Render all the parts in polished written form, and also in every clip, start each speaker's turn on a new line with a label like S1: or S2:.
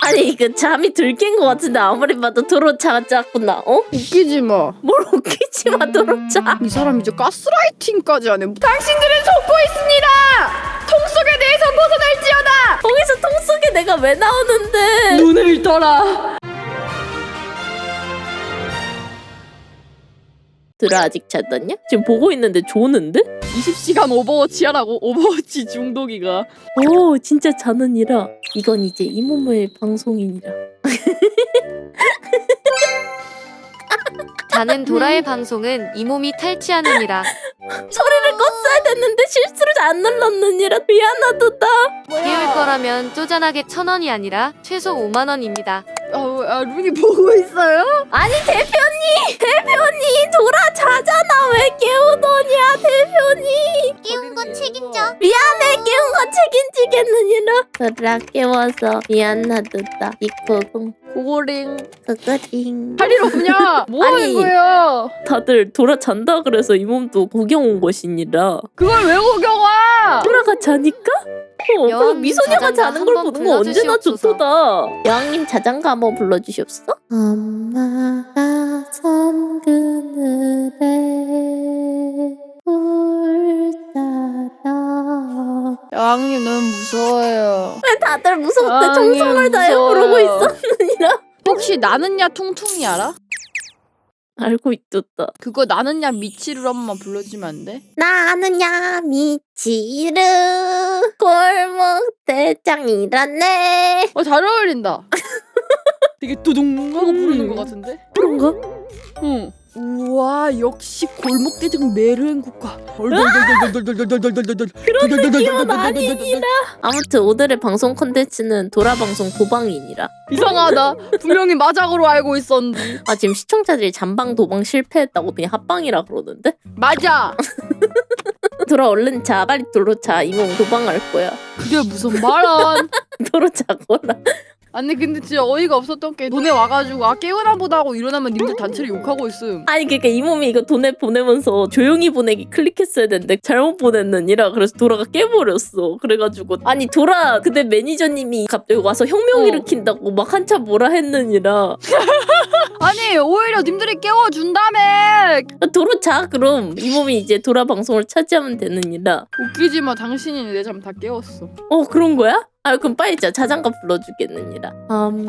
S1: 아니 그 잠이 들 깬 것 같은데 아무리 봐도 도로 자작구나. 어?
S2: 웃기지 마.
S1: 뭘 웃기지 마 도로 자.
S2: 이 사람 이제 가스라이팅까지 하네. 당신들은 속고 있습니다. 통 속에 대해서 벗어날지어다.
S1: 거기서 통 속에 내가 왜 나오는데?
S2: 눈을 떠라.
S1: 들아 아직 잤었냐? 지금 보고 있는데 조는데?
S2: 20시간 오버워치 하라고. 오버워치 중독이가.
S1: 오 진짜 자는이라. 이건 이제 이모모의 방송이니라.
S3: 자는 도라의 방송은 이 몸이 탈취하느니라.
S1: 소리를 껐어야 됐는데 실수로 안 눌렀느니라. 미안하도다.
S3: 깨울 거라면 쪼잔하게 1,000원이 아니라 최소 5만 원입니다.
S2: 루니 보고 있어요?
S1: 아니 대표님 도라 자잖아. 왜 깨우더냐 대표님.
S4: 깨운 건 책임져.
S1: 미안해 깨운 거 책임지겠느니라. 도라 깨워서 미안하도다. 이코공
S2: 고고링.
S1: 그거링.
S2: 할 일 없냐? 뭐
S1: 아니.
S2: 하는 거예요?
S1: 다들 도라 잔다 그래서 이 몸도 구경 온 것이니라.
S2: 그걸 왜 구경 와?
S1: 도라가 자니까? 그리고
S3: 여왕님
S1: 미소녀가
S3: 자장가
S1: 자는 걸
S3: 한번
S1: 보는 거 언제나
S3: 불러주시옵소서.
S1: 좋도다. 여왕님 자장가 한번 불러주시옵소서. 엄마가 섬 그늘에 울 따라.
S2: 여왕님 너무 무서워요.
S1: 왜 다들 무섭대
S2: 여왕님
S1: 정성을 다해
S2: 무서워요.
S1: 부르고 있었느니라.
S2: 혹시 나는야 퉁퉁이 알아?
S1: 알고 있었다.
S2: 그거 나는야 미치를 한 번만 불러주면 안 돼?
S1: 나는야 미치르 골목 대장이라네.
S2: 잘 어울린다. 되게 두둥 하고 부르는 것 같은데?
S1: 그런가?
S2: 응. 우와 역시 골목대장 메르행 국가.
S1: 그런 느낌은 아니니라. 아무튼 오늘의 방송 컨텐츠는 도라방송 도방이니라.
S2: 이상하다. 분명히 마작으로 알고 있었는데.
S1: 아 지금 시청자들이 잠방 도방 실패했다고 그냥 합방이라 그러는데?
S2: 맞아.
S1: 도라 얼른 자. 빨리 도로 자. 이모 도방할 거야.
S2: 그게 무슨 말안.
S1: 도로 자거라.
S2: 아니 근데 진짜 어이가 없었던 게 돈에 와가지고 깨우나 보다 하고 일어나면 님들 단체를 욕하고 있음.
S1: 아니 그러니까 이 몸이 이거 돈에 보내면서 조용히 보내기 클릭했어야 되는데 잘못 보냈느니라. 그래서 도라가 깨버렸어. 그래가지고 아니 도라 그때 매니저님이 갑자기 와서 혁명 일으킨다고 막 한참 뭐라 했느니라.
S2: 아니 오히려 님들이 깨워준다며.
S1: 도로 자. 그럼 이 몸이 이제 도라 방송을 차지하면 되느니라.
S2: 웃기지마. 당신이 내 잠 다 깨웠어.
S1: 그런 거야? 아 그럼 빨리 자장가 불러주겠느니라. 엄마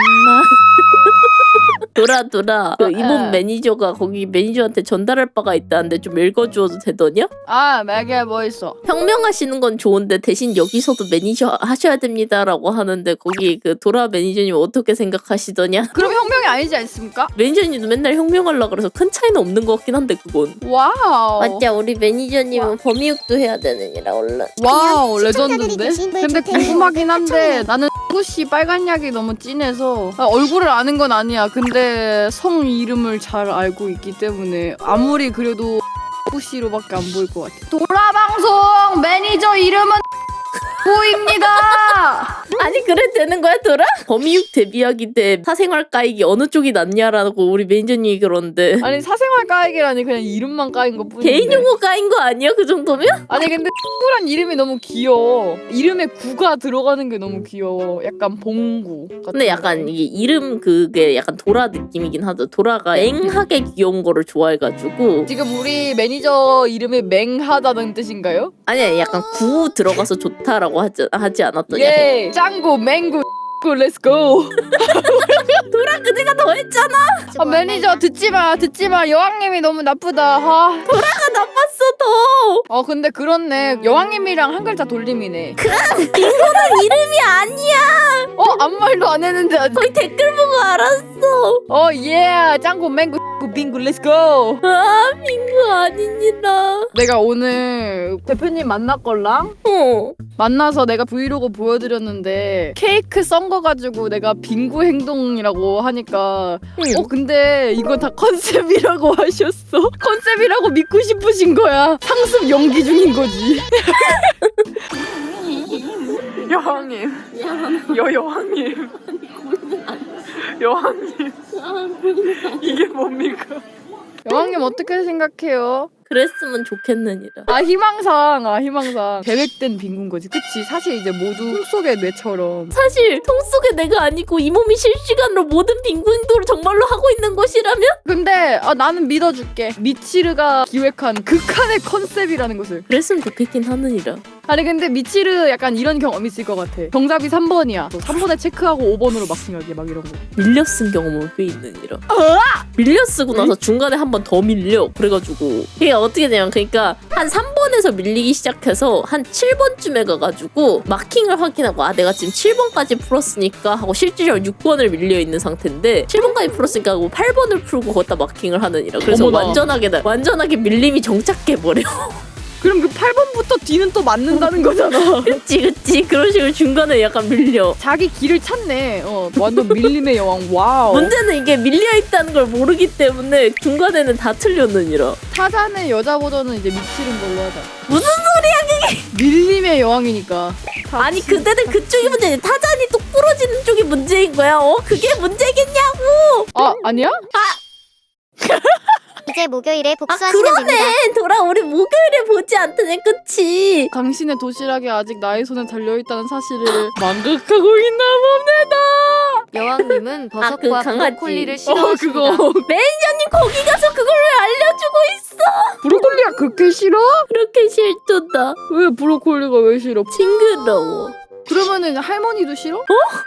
S1: 도라 그 이몸 매니저가 거기 매니저한테 전달할 바가 있다는데 좀 읽어주어도 되더냐?
S2: 아 맥에 뭐 있어?
S1: 혁명하시는 건 좋은데 대신 여기서도 매니저 하셔야 됩니다라고 하는데 거기 그 도라 매니저님 어떻게 생각하시더냐?
S2: 그럼 혁명이 아니지 않습니까?
S1: 매니저님도 맨날 혁명하려고 그래서 큰 차이는 없는 것 같긴 한데 그건.
S2: 와우.
S1: 맞자 우리 매니저님은 범이육도 해야 되느니라 얼른.
S2: 와우
S4: 시청자들이
S2: 레전드인데?
S4: 계신 분
S2: 근데
S4: 좋대요.
S2: 궁금하긴 한데 나는 구씨 빨간 약이 너무 진해서 얼굴을 아는 건 아니야. 근데 성 이름을 잘 알고 있기 때문에 아무리 그래도 구씨로밖에 안 보일 것 같아. 도라방송 매니저 이름은 보입니다.
S1: 아니 그래 되는 거야 도라? 범이육 데뷔하기 때 사생활 까이기 어느 쪽이 낫냐라고 우리 매니저님이 그러는데
S2: 아니 사생활 까이기라니 그냥 이름만 까인 것 뿐인데.
S1: 개인 용어 까인 거 아니야 그 정도면?
S2: 아니 근데 구란 이름이 너무 귀여워. 이름에 구가 들어가는 게 너무 귀여워. 약간 봉구 같은
S1: 근데 약간
S2: 거.
S1: 이게 이름 그게 약간 도라 느낌이긴 하죠. 도라가 맹하게 귀여운 거를 좋아해가지고.
S2: 지금 우리 매니저 이름이 맹하다는 뜻인가요?
S1: 아니야 약간 구 들어가서 좋다라고 하지 않았더냐.
S2: 예 짱구 맹구 렛츠고.
S1: 도라 그대가 더 했잖아.
S2: 매니저 듣지마 여왕님이 너무 나쁘다.
S1: 도라가 나빴어 더.
S2: 근데 그렇네. 여왕님이랑 한 글자 돌림이네.
S1: 빙고는 이름이 아니야.
S2: 아무 말도 안 했는데 아직.
S1: 거의 댓글 보고 알았어.
S2: 예 짱구 맹구 빙구 렛츠고.
S1: 아 빙고 아니니라.
S2: 내가 오늘 대표님 만났걸랑 만나서 내가 브이로그 보여드렸는데 케이크 썬 거 가지고 내가 빙구 행동이라고 하니까 근데 이건 다 컨셉이라고 하셨어. 컨셉이라고 믿고 싶으신 거야. 상습 연기 중인 거지. 여왕님 여왕님 여왕님 이게 뭡니까? 여왕님 어떻게 생각해요?
S1: 그랬으면 좋겠느니라.
S2: 희망상 계획된 빈군 거지. 그치? 사실 이제 모두 꿈속의 뇌처럼.
S1: 사실 통 속에 내가 아니고 이 몸이 실시간으로 모든 빈곤 행동을 정말로 하고 있는 것이라면?
S2: 근데 나는 믿어줄게. 미치르가 기획한 극한의 컨셉이라는 것을.
S1: 그랬으면 좋겠긴 하느니라.
S2: 아니 근데 미치르 약간 이런 경험 있을 것 같아. 정답이 3번이야. 3번에 체크하고 5번으로 막싱하기 막 이런 거.
S1: 밀려 쓴 경험은 꽤 있느니라. 밀려 쓰고 나서 중간에 한 번 더 밀려. 그래가지고 이게 어떻게 되냐면 그러니까 한 3번에서 밀리기 시작해서 한 7번쯤에 가가지고 마킹을 확인하고 아 내가 지금 7번까지 풀었으니까 하고 실질적으로 6번을 밀려있는 상태인데 7번까지 풀었으니까 하고 8번을 풀고 거기다 마킹을 하느니라. 그래서
S2: 어머나.
S1: 완전하게 밀림이 정착해버려.
S2: 그럼 그 8번부터 뒤는 또 맞는다는 거잖아.
S1: 그치 그런 식으로 중간에 약간 밀려.
S2: 자기 길을 찾네. 완전 밀림의 여왕. 와우.
S1: 문제는 이게 밀려있다는 걸 모르기 때문에 중간에는 다 틀렸느니라.
S2: 타잔의 여자 버전은 이제 미치른 걸로 하자.
S1: 무슨 소리야 그게.
S2: 밀림의 여왕이니까.
S1: 아니 그때는 그쪽이 문제지. 타잔이 똑 부러지는 쪽이 문제인 거야. 그게 문제겠냐고.
S2: 아니야?
S4: 이제 목요일에 복수하시면 됩니다.
S1: 그러네. 돌아 우리 목요일에 보지 않더니 그치.
S2: 당신의 도시락이 아직 나의 손에 달려있다는 사실을 망각하고 있나 봅니다.
S3: 여왕님은 버섯과
S1: 그 강아지.
S3: 브로콜리를 싫어하십니다.
S2: 그거.
S1: 매니저님 거기 가서 그걸 왜 알려주고 있어.
S2: 브로콜리가 그렇게 싫어?
S1: 그렇게 싫도다.
S2: 왜 브로콜리가 왜 싫어?
S1: 징그러워.
S2: 그러면은 할머니도 싫어?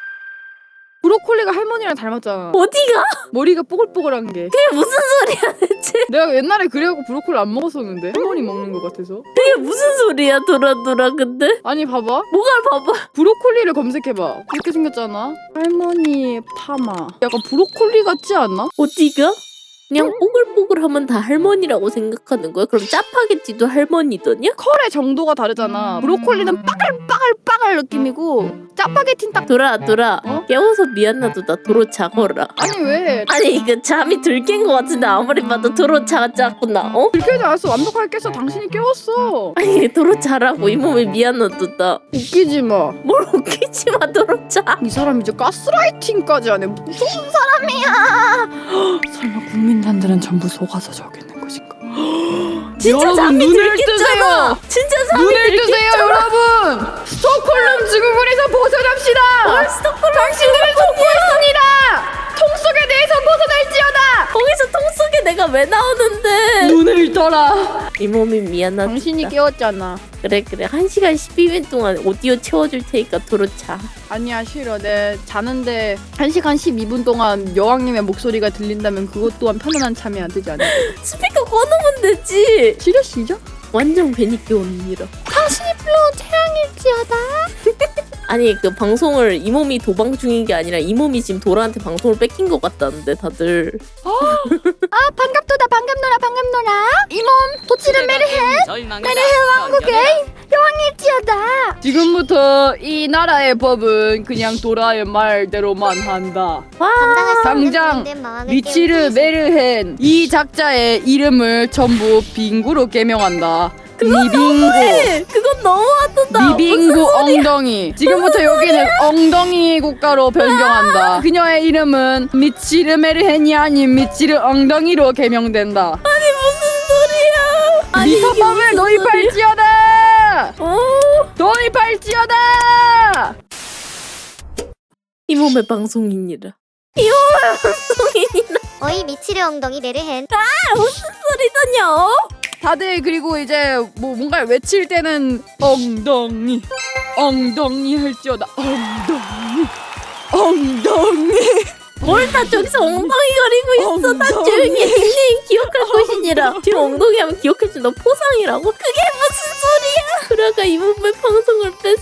S2: 브로콜리가 할머니랑 닮았잖아.
S1: 어디가?
S2: 머리가 뽀글뽀글한 게.
S1: 그게 무슨 소리야 대체.
S2: 내가 옛날에 그래갖고 브로콜리 안 먹었었는데 할머니 먹는 것 같아서.
S1: 그게 무슨 소리야 돌아 근데.
S2: 아니 봐봐.
S1: 뭐가 봐봐.
S2: 브로콜리를 검색해봐. 그렇게 생겼잖아. 할머니 파마. 약간 브로콜리 같지 않나?
S1: 어디가? 그냥 뽀글뽀글하면 다 할머니라고 생각하는 거야? 그럼 짜파게티도 할머니더냐?
S2: 컬의 정도가 다르잖아. 브로콜리는 빠글빠글 느낌이고 짜파게티는 딱.
S1: 돌아 깨워서 미안하다. 나 도로 자거라.
S2: 아니 왜?
S1: 아니 이거 잠이 들 깬 거 같은데 아무리 봐도 도로 자갔구나.
S2: 들켜지 않았어. 완벽하게 깼어. 당신이 깨웠어.
S1: 아니 도로 자라고 이 몸에 미안하다.
S2: 웃기지 마.
S1: 뭘 웃기지 마 도로 자.
S2: 이 사람 이제 가스라이팅까지 하네. 무서운 사람이야. 설마 국민단들은 전부 속아서 저기 있는 것인가?
S1: 진짜
S2: 여러분,
S1: 잠이
S2: 눈을
S1: 들겠잖아. 진짜 잠이
S2: 눈을 뜨세요, 여러분. 스톡홀름 증후군에서 벗어납시다.
S1: 스톡홀름
S2: 당신들을 속고했습니다. 통 속에 내에서 벗어날지어다.
S1: 거기서 통 속에 내가 왜 나오는데.
S2: 눈을 떠라.
S1: 이 몸이 미안하다.
S2: 당신이 깨웠잖아.
S1: 그래 1시간 12분 동안 오디오 채워줄 테니까 도로 자.
S2: 아니야 싫어. 내 자는데 1시간 12분 동안 여왕님의 목소리가 들린다면 그것 또한 편안한 잠이 안 되지 않을까?
S1: 스피커 꺼놓으면 되지.
S2: 싫어 시죠?
S1: 완전 괜히 깨웠느니라.
S4: 당신이 불러온 태양일지어다.
S1: 아니 그 방송을 이 몸이 도방 중인 게 아니라 이 몸이 지금 도라한테 방송을 뺏긴 것 같다는데 다들.
S4: 반갑도다 반갑노라. 이몸 도치를 메르해 왕국의 여왕일지어다.
S2: 지금부터 이 나라의 법은 그냥 도라의 말대로만 한다. 당장 미치르 메르헨 이 작자의 이름을 전부 빙구로 개명한다. 미빙구.
S1: 그건 너무하다.
S2: 미빙구 엉덩이. 지금부터 여기는 엉덩이 국가로 변경한다. 그녀의 이름은 미치르 메르헨이 아닌 미치르 엉덩이로 개명된다.
S1: 아니 이게
S2: 미터법을
S1: 무슨
S2: 도입할지어다. 도입할지어다.
S1: 이 몸의 방송이니라. 이 몸의 방송이니라.
S4: 어이 미치르 엉덩이 메르헨.
S1: 무슨 소리더냐?
S2: 다들 그리고 이제 뭐 뭔가를 외칠 때는 엉덩이 할지어다. 엉덩이.
S1: 뭘 다 저기서 엉덩이 거리고 있어. 나 조용히 닉네임 기억할 것이니라. 지금 엉덩이 하면 기억해준다. 포상이라고? 그게 무슨 소리야? 그러가 이 몸의 방송을 뺐어.